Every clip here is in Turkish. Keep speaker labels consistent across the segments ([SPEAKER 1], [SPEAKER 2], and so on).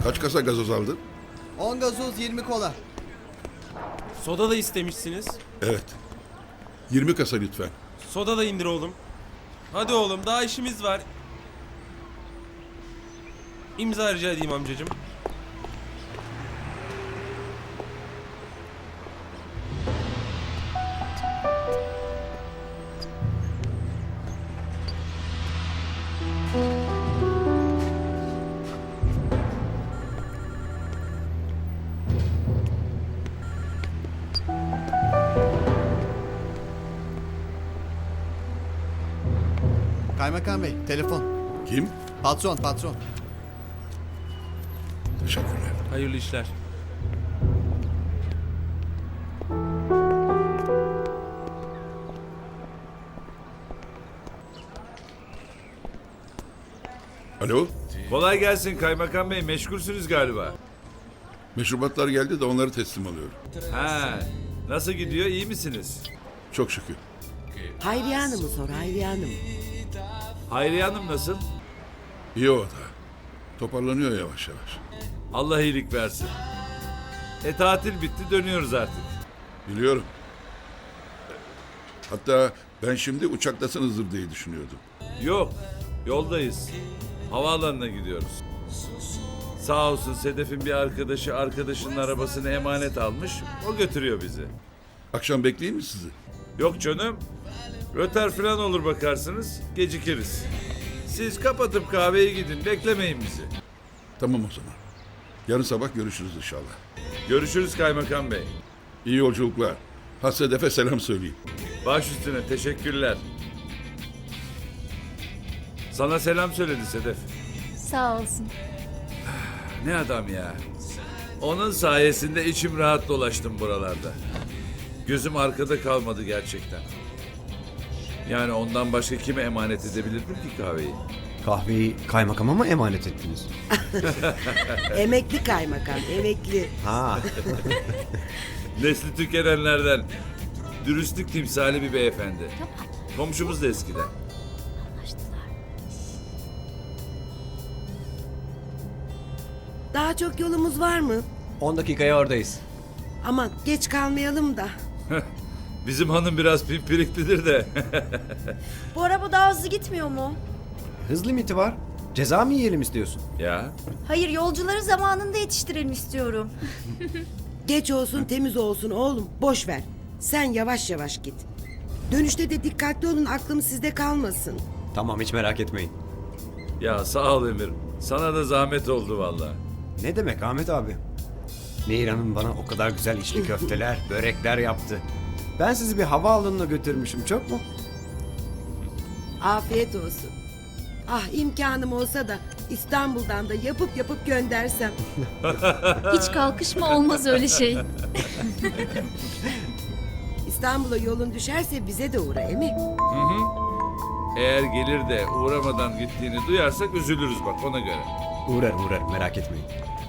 [SPEAKER 1] Kaç kasa gazoz aldın?
[SPEAKER 2] 10 gazoz 20 kola.
[SPEAKER 3] Soda da istemişsiniz.
[SPEAKER 1] Evet. 20 kasa lütfen.
[SPEAKER 3] Soda da indir oğlum. Hadi oğlum daha işimiz var. İmza rica edeyim amcacığım.
[SPEAKER 2] Kaymakam Bey, telefon.
[SPEAKER 1] Kim?
[SPEAKER 2] Patron, patron.
[SPEAKER 1] Teşekkürler.
[SPEAKER 3] Hayırlı işler.
[SPEAKER 1] Alo?
[SPEAKER 4] Kolay gelsin kaymakam bey, meşgulsünüz galiba.
[SPEAKER 1] Meşrubatlar geldi de onları teslim alıyorum.
[SPEAKER 4] Ha, nasıl gidiyor, iyi misiniz?
[SPEAKER 1] Çok şükür.
[SPEAKER 5] Hayriye Hanım'ı sor, Hayriye Hanım.
[SPEAKER 4] Hayriye Hanım nasıl?
[SPEAKER 1] İyi o da. Toparlanıyor yavaş yavaş.
[SPEAKER 4] Allah iyilik versin. Tatil bitti, dönüyoruz artık.
[SPEAKER 1] Biliyorum. Hatta ben şimdi uçaktasınızdır diye düşünüyordum.
[SPEAKER 4] Yok, yoldayız. Havaalanına gidiyoruz. Sağ olsun Sedef'in bir arkadaşı arkadaşının arabasını emanet almış, o götürüyor bizi.
[SPEAKER 1] Akşam bekleyeyim mi sizi?
[SPEAKER 4] Yok canım, röter falan olur bakarsınız, gecikiriz. Siz kapatıp kahveye gidin, beklemeyin bizi.
[SPEAKER 1] Tamam o zaman. Yarın sabah görüşürüz inşallah.
[SPEAKER 4] Görüşürüz kaymakam bey.
[SPEAKER 1] İyi yolculuklar. Sedef'e selam söyleyin.
[SPEAKER 4] Baş üstüne, teşekkürler. Sana selam söyledi Sedef.
[SPEAKER 6] Sağ olsun.
[SPEAKER 4] Ne adam ya. Onun sayesinde içim rahat dolaştım buralarda. Gözüm arkada kalmadı gerçekten. Yani ondan başka kime emanet edebilirdim ki kahveyi?
[SPEAKER 7] Kahveyi kaymakama mı emanet ettiniz?
[SPEAKER 5] Emekli kaymakam, emekli.
[SPEAKER 7] Ha.
[SPEAKER 4] Nesli tükenenlerden. Dürüstlük timsali bir beyefendi. Komşumuz da eskiden.
[SPEAKER 5] Daha çok yolumuz var mı?
[SPEAKER 7] 10 dakikaya oradayız.
[SPEAKER 5] Aman geç kalmayalım da.
[SPEAKER 4] Bizim hanım biraz pimpiriklidir de.
[SPEAKER 6] Bu araba daha hızlı gitmiyor mu?
[SPEAKER 7] Hız limiti var. Ceza mı yiyelim istiyorsun?
[SPEAKER 4] Ya
[SPEAKER 6] Hayır, yolcuları zamanında yetiştirelim istiyorum.
[SPEAKER 5] Geç olsun temiz olsun oğlum, boş ver. Sen yavaş yavaş git. Dönüşte de dikkatli olun, aklım sizde kalmasın.
[SPEAKER 7] Tamam, hiç merak etmeyin.
[SPEAKER 4] ya sağ ol Emir. Sana da zahmet oldu vallahi.
[SPEAKER 7] Ne demek Ahmet abi? Nehir Hanım bana o kadar güzel içli köfteler, börekler yaptı. Ben sizi bir havaalanına götürmüşüm, çok mu?
[SPEAKER 5] Afiyet olsun. Ah imkanım olsa da İstanbul'dan da yapıp yapıp göndersem.
[SPEAKER 6] Hiç kalkışma, olmaz öyle şey.
[SPEAKER 5] İstanbul'a yolun düşerse bize de uğra Emi.
[SPEAKER 4] Eğer gelir de uğramadan gittiğini duyarsak üzülürüz bak ona göre.
[SPEAKER 7] Uğrar merak etmeyin.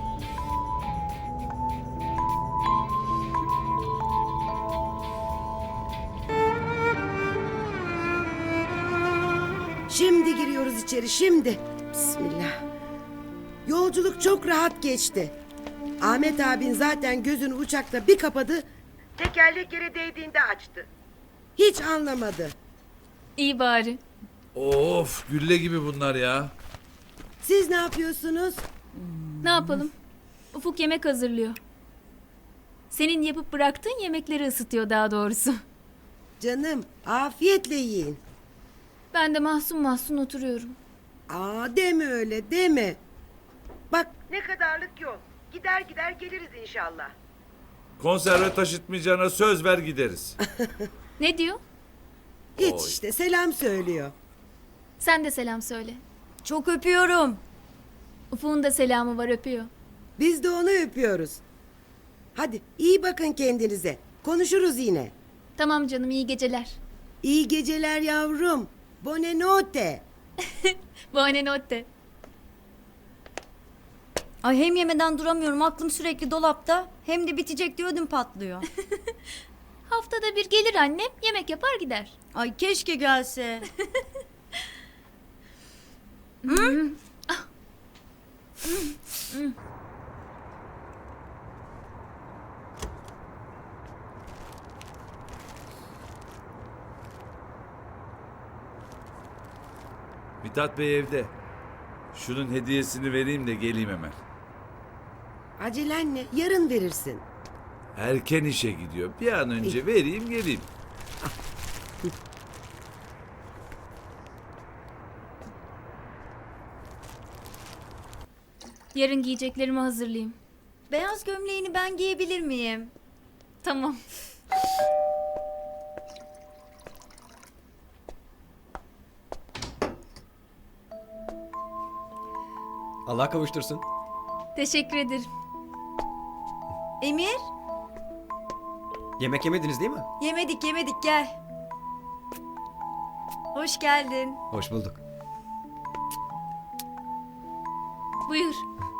[SPEAKER 5] Şimdi giriyoruz içeri, şimdi. Bismillah. Yolculuk çok rahat geçti. Ahmet abin zaten gözünü uçakta bir kapadı. Tekerlek yere değdiğinde açtı. Hiç anlamadı.
[SPEAKER 6] İyi bari.
[SPEAKER 4] Of gülle gibi bunlar ya.
[SPEAKER 5] Siz ne yapıyorsunuz?
[SPEAKER 6] Ne yapalım? Ufuk yemek hazırlıyor. Senin yapıp bıraktığın yemekleri ısıtıyor daha doğrusu.
[SPEAKER 5] Canım, afiyetle yiyin.
[SPEAKER 6] Ben de mahzun mahzun oturuyorum.
[SPEAKER 5] Aa deme öyle, deme. Bak ne kadarlık yol. Gider gider geliriz inşallah.
[SPEAKER 4] Konserve taşıtmayacağına söz ver gideriz.
[SPEAKER 6] Ne diyor?
[SPEAKER 5] Hiç
[SPEAKER 4] Oy.
[SPEAKER 5] işte selam söylüyor.
[SPEAKER 6] Sen de selam söyle. Çok öpüyorum. Ufuk'un da selamı var, öpüyor.
[SPEAKER 5] Biz de onu öpüyoruz. Hadi iyi bakın kendinize. Konuşuruz yine.
[SPEAKER 6] Tamam canım, iyi geceler.
[SPEAKER 5] İyi geceler yavrum. Buonanotte.
[SPEAKER 6] Buonanotte.
[SPEAKER 8] Ay hem yemeden duramıyorum, aklım sürekli dolapta, hem de bitecek diye ödüm patlıyor.
[SPEAKER 6] Haftada bir gelir annem, yemek yapar gider.
[SPEAKER 8] Ay keşke gelse.
[SPEAKER 4] Mithat Bey evde. Şunun hediyesini vereyim de geleyim hemen.
[SPEAKER 5] Acelen ne? Yarın verirsin.
[SPEAKER 4] Erken işe gidiyor. Bir an önce vereyim geleyim.
[SPEAKER 6] Yarın giyeceklerimi hazırlayayım.
[SPEAKER 8] Beyaz gömleğini ben giyebilir miyim?
[SPEAKER 6] Tamam.
[SPEAKER 7] Allah kavuştursun.
[SPEAKER 6] Teşekkür ederim.
[SPEAKER 8] Emir,
[SPEAKER 7] Yemek yemediniz değil mi?
[SPEAKER 8] yemedik gel. Hoş geldin.
[SPEAKER 7] Hoş bulduk.
[SPEAKER 6] Buyur.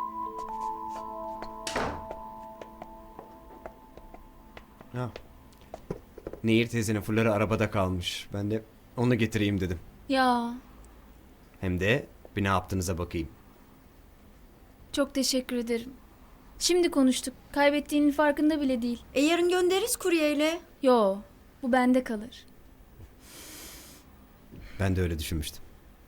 [SPEAKER 7] Ha. Nehir teyzenin fırları arabada kalmış. Ben de onu getireyim dedim.
[SPEAKER 6] Ya,
[SPEAKER 7] Hem de bir ne yaptığınıza bakayım.
[SPEAKER 6] çok teşekkür ederim. Şimdi konuştuk. Kaybettiğinin farkında bile değil.
[SPEAKER 8] Yarın göndeririz kuryeyle.
[SPEAKER 6] Yo, bu bende kalır.
[SPEAKER 7] Ben de öyle düşünmüştüm.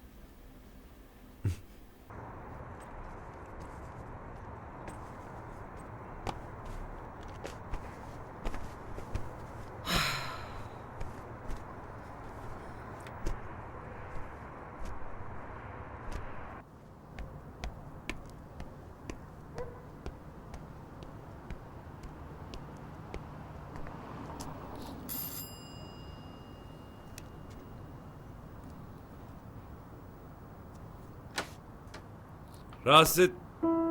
[SPEAKER 4] Rahatsız et...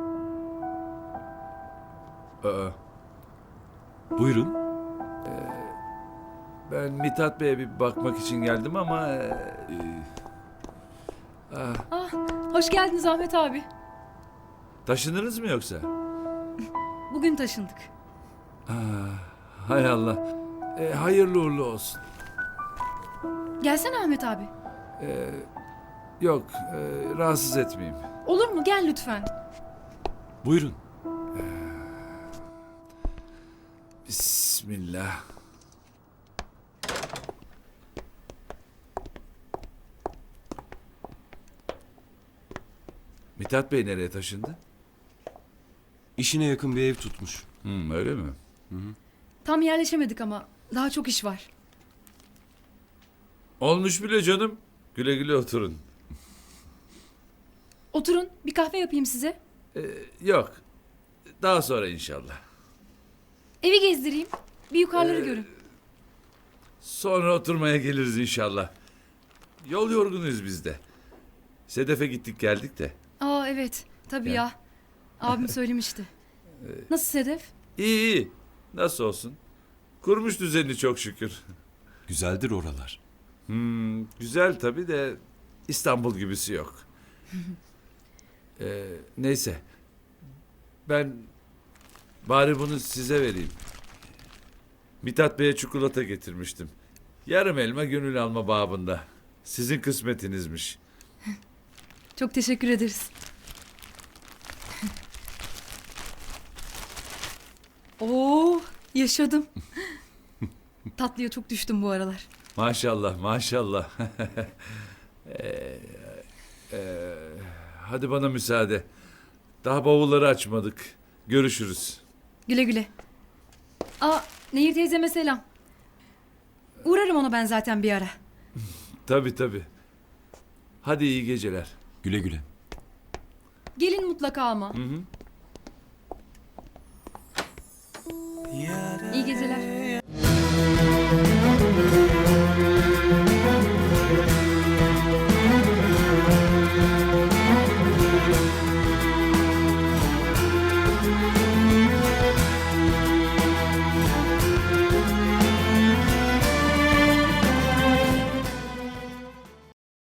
[SPEAKER 4] Aa,
[SPEAKER 9] Buyurun.
[SPEAKER 4] ben Mithat Bey'e bir bakmak için geldim ama...
[SPEAKER 10] Hoş geldiniz Ahmet abi.
[SPEAKER 4] taşınırız mı yoksa?
[SPEAKER 10] Bugün taşındık.
[SPEAKER 4] Hay Allah. Hayırlı uğurlu olsun.
[SPEAKER 10] Gelsene Ahmet abi.
[SPEAKER 4] Yok, rahatsız etmeyeyim.
[SPEAKER 10] Olur mu? Gel lütfen.
[SPEAKER 9] Buyurun.
[SPEAKER 4] Bismillah. Mithat Bey nereye taşındı?
[SPEAKER 9] İşine yakın bir ev tutmuş.
[SPEAKER 4] Öyle mi?
[SPEAKER 10] Tam yerleşemedik ama daha çok iş var.
[SPEAKER 4] Olmuş bile canım. Güle güle oturun.
[SPEAKER 10] Oturun, bir kahve yapayım size.
[SPEAKER 4] Yok. Daha sonra inşallah.
[SPEAKER 10] Evi gezdireyim. Bir yukarıları görün.
[SPEAKER 4] Sonra oturmaya geliriz inşallah. Yol yorgunuyuz biz de. Sedef'e gittik geldik de.
[SPEAKER 10] Aa evet, tabii ya. Abim söylemişti. Nasıl Sedef?
[SPEAKER 4] İyi iyi. Nasıl olsun? Kurmuş düzenini çok şükür.
[SPEAKER 9] Güzeldir oralar.
[SPEAKER 4] Güzel tabii de İstanbul gibisi yok. Neyse. Ben bari bunu size vereyim. Mithat Bey'e çikolata getirmiştim. Yarım elma gönül alma babında. Sizin kısmetinizmiş.
[SPEAKER 10] Çok teşekkür ederiz. Oo, yaşadım. Tatlıya çok düştüm bu aralar.
[SPEAKER 4] Maşallah maşallah. Hadi bana müsaade. Daha bavulları açmadık. Görüşürüz.
[SPEAKER 10] Güle güle. Aa, Nehir teyzeme selam. Uğrarım ona ben zaten bir ara.
[SPEAKER 4] Tabii tabii. Hadi iyi geceler.
[SPEAKER 9] Güle güle.
[SPEAKER 10] Gelin mutlaka ama. İyi geceler.